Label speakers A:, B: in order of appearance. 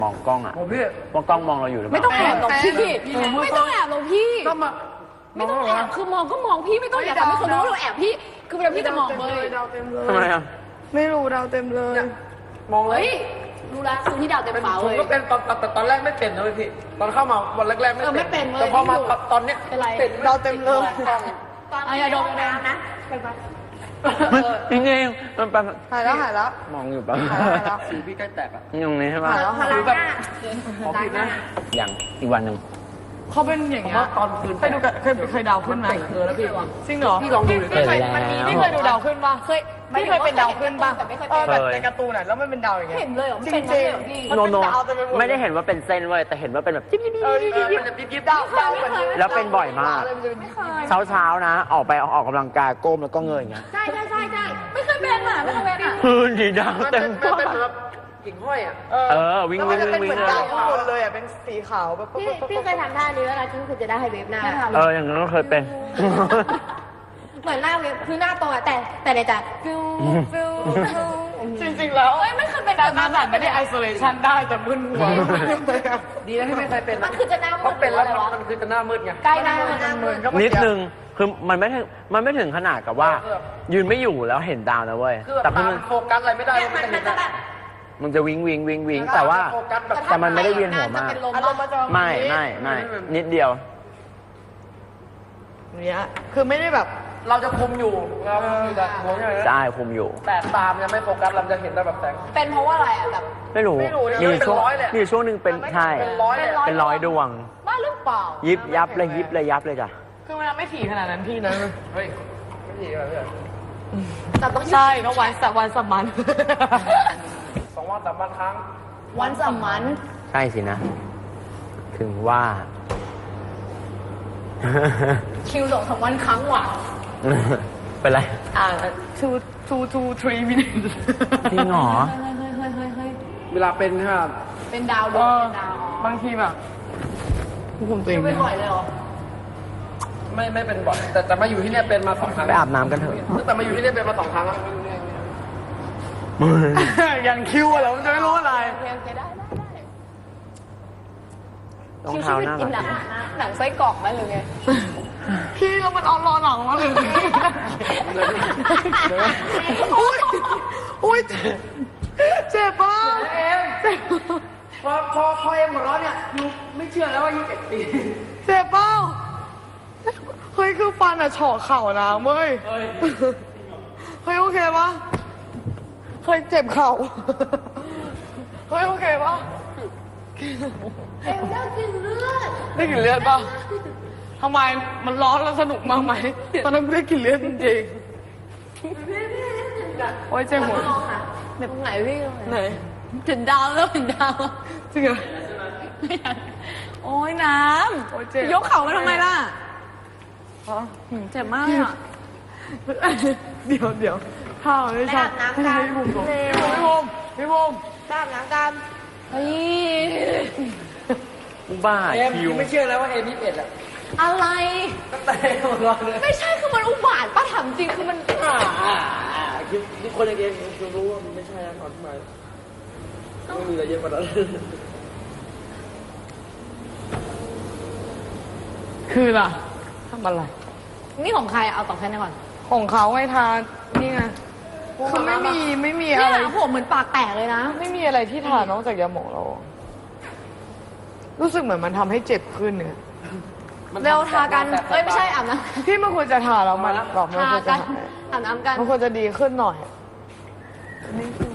A: มองกล้องอ่ะ
B: ผมพี่
A: ว่ากล้องมองเราอยู่หรือเปล่า
C: ไม่ต้องแอบหรอกพี่ไม่ต้องแอบหรอกพี่
B: ก็มา
C: ไม่ต้องแอบคือมองก็มองพี่ไม่ต้องอยากทำให้คนรู้ว่าเราแอบพี่คือเวลาพี่จะมองเลย
B: ดาวเต็มเลย
A: ทำไมอ่ะ
D: ไม่รู้ดาวเต็มเลย
B: มองเล
C: เฮ้
B: ย
C: ยรู้แล้วคือที่ดาวเต็ม
B: เป็น
C: ฟ้า
B: ผ
C: เล
B: ม
C: ย
B: ก็เป็นตอนแรกไม่เป็นนะพี่ตอนเข้ามาวันแรกๆ
C: ไม่เป็นเลย
B: แต่พอมาตอนเนี้ย
C: เป็นไร
D: ดาวเต็มเลย
C: เอาอย่าดมน้ำนะ
A: จริงๆมันเป็น
D: หายแล้วหายแล้ว
A: มองอยู่ปะ
D: หายแล้ว
B: สีพี่ใกล้แตกอ่ะ
A: ตรงนี้ใช่ปะ
D: หายแล้วหาย
B: หรื
D: แล้
B: อ
D: ว
B: แบบขอผิดนะ
A: อย่างอีกวันหนึ่ง
D: เขาเป็นอย่าง
B: ผม
D: เงี้ย
B: ว่าตอนคืน
D: เคยดูกับเคยดาวขึ้นไหม
B: แล้วพี่
D: จริงเหรอ
B: พี่ลองดูดิ
D: พี่เคยพี่เคยดูดาวขึ้นป่ะ
C: เคย
D: พี่เคยเป็นดาวขึ้นป่ะ
C: แต่ไม่เคย
D: เอ
C: เป็
D: อน แบบในการ์ตูนอ่ะแล้วมันเป็นดาวอย่างเงี้ย
C: เห็นเลยเหรอ
D: จริ
C: เป็น
D: ง
C: เลยเหรอพี่
D: มัน
A: โน
D: เป็น
A: โน
D: ดาวเต็มไปหมด
A: ไม่ได้เห็นว่าเป็นเส้นเว้ยแต่เห็นว่าเป็นแบบจิ๊บจิ๊บจิ๊บจิ๊บ
B: มันจะยิบ
D: ดาวเหมือน
A: แล้วเป็นบ่อยมาก
C: ไม่เคย
A: เช้าๆนะ ออกกำลังกายก้มแล้วก็เงยอย่างเงี้ย
C: ใช่ไม่เคยเป็นอ่ะไม่เคยเป็นอ่ะ
A: พื้นสีดำ
B: มัน
A: เต็
B: เป็น
A: ม
B: มัน
A: ฟ้า
B: เป็นแบบกิ่งห้อยอ่ะ
A: วิ่ง
D: แล้ว
A: วิ่
D: มัน
A: ง
D: จะเป็น
A: วิ่
D: เหมื
A: ง
D: อน
A: เล
D: ดาวย ข้างบนเลยอ่ะเป็นสีขาวแบบ
E: พี่เคยทำท่านี้แล้วนะที่คือจะได้ให้เวฟหน้า
A: อย่างนั้นก็เคยเป็น
E: เหมือนหน้าเวฟคือหน้าตรงอะแต่ในใจฟิวฟิวฟิว
D: จริงๆแล้ว
C: เฮ้ยไม่เคยเป็น
D: การแบบไม่ได้ไอโซเลชันได้แต่มึนหัว
B: ดีนะที่ไม่เคยเป็น
C: มันคือจะหน้ามื
B: เพราะ
C: ด
B: เป็นแล้วมันคือจะหน้ามืดไง
C: ใกล้หน้ามืด
A: นิดนึงคือมันไม่ถึงขนาดกับว่า ยืนไม่อยู่แล้วเห็นดาวนะเว้ย
B: คือแบ
A: แต่
B: บ
A: คือ
B: ตา
A: มัน
B: โฟกัสอะไรไม่ได้
C: เนี่ย
B: มัน
C: มัน
B: จะเห็น
C: จะแบบ
A: มันจะวิ่งแต่ว่า
B: โฟกัสแบบ
A: แต่มันไม่ได้เวียนหัวมาก
C: จะเป็นลม
D: อารมณ์มาจอ
A: ไม่นิดเดียว
D: เนี้ยคือไม่ได้แบบ
B: เราจะคุมอยู่เราคุมอยู่แต่หัวใช่ไหม
A: ใช่คุมอยู่
B: แต่ตามยังไม่โฟกัสเราจะเห็นได้แบบแสง
C: เป็นเพราะว่าอะไรอ่ะแบบ
A: ไม่รู้
B: เนี่ย
A: มีช่วง
B: เป็นร้อยเลย
A: มีช่วงหนึ่งเป็นใช่
B: เป็นร้อยเลย
A: เป็นร้อยดวง
C: บ้าหรือเปล่า
A: ยิบยับเลยจ้ะ
D: คือมันไม่ถี่ขนาดนั้นพี่นะ
B: เฮ้ยไม่ดีเลย
C: แต่ต้อง
D: ใช่ก็วันสมัน
B: 2 วัน 3 วันครั้ง
C: วันสมัน
A: ใช่สินะ ถึงว่า
C: คิว2-3 วันครั้งว่ะ
A: เป็นไร
D: 2 minutes
A: จริงเหรอ
C: เฮ้ย
B: เวลาเป็นใช่ไหม
C: เป็นดาวดวงเป็นดาว
D: บางทีแบบคุมตัวเอง
C: เป็นบ่อยเลยเหรอ
B: ไม่เป็นบ่อยแต่มาอยู่ที่เนี่ยเป็นมา2 ครั้ง
A: ไปอาบน้ำกันเถอะ
B: แต่มาอยู่ที่เนี่ยเป็นมา2 ครั้งแล้ว
D: อย่างคิวอะเหรอมันจะไม่รู้อะไร
C: โอเคได้
A: รอง
C: คิว
A: เท้า
C: ชีวิต
A: หน้า
C: กิน
A: หลัง
C: หนังไส้กรอกไหมหรือไง
D: พี่แล้วมันเอารอหนังมาเลยอุ้ยเจ็บป่ะ
B: เอ็มพอเอ็มหัวเราะเนี่ยยูไม่เชื่อแล้วว่า21 ปี
D: เจ็บป่ะเฮ้ยคือฟันอะเฉาะเข่านะเว้ยเฮ้ยโอเคปะเฮ้ยเจ็บเข่าเฮ้ยโอเคปะ
C: เอ็มได้กินเลือด
D: ได้กลิ่นเลือดป่ะทำไมมันร้อนแล้วสนุกมากไหมตอนนั้นไม่ได้กลิ่นเลือดจริงๆโอ้ยเจ็บหัว
C: แบบไหนพี่
D: ไหน
C: ถึงดาวแล้วถึงดาว
D: จริงเหรอ
C: ไม่อยากโอ้ยน้
D: โอ้ยเจ็บ
C: ำยกเข่ามาทำไมล่ะ
D: ฮะ
C: เจ็บมากอ่ะ
D: เดี๋ยวข้าวไม่ใช่
E: ไปอาบน้ำกัน
D: พี่ภูมิพี่ภูมิ
E: ตามน้ำกัน
C: เฮ้ย
A: บ้า
B: เอ็ม
A: คิว
B: ยูไม่เชื่อแล้วว่าเอ็ม21อ่ะ
C: อะไร
B: ตั้งแต่หัวเราะเลย
C: ไม่ใช่คือมันอุบาทป้าถามจริงคือมัน
B: คิดคนอย่างเอ็มคิวรู้ว่ามันไม่ใช่แล้วตอนที่มาไม่มีอะไรเยอะกว่านั้น
D: คือล่ะทำอะไร
C: นี่ของใครเอาต่อแค่นี้ก่อน
D: ของเขาไงทานนี่ไงคือไม่มี
C: เนี่
D: อะไร
C: ยผมเหมือนปากแตกเลยนะ
D: ไม่มีอะไรที่ทานนอกจากยาหมองเรา รู้สึกเหมือนมันทำให้เจ็บขึ้นเนี่ย
C: เร็วทากันเอ้ยไม่ใช่อาบน้ำ
D: พี่มันควรจะทาแล้วมันบอกมัน
C: ทา
D: ควรจะ
C: กัน
D: หาย
C: อาบน้ำกัน
D: มันควรจะดีขึ้นหน่อย
C: นี่คือ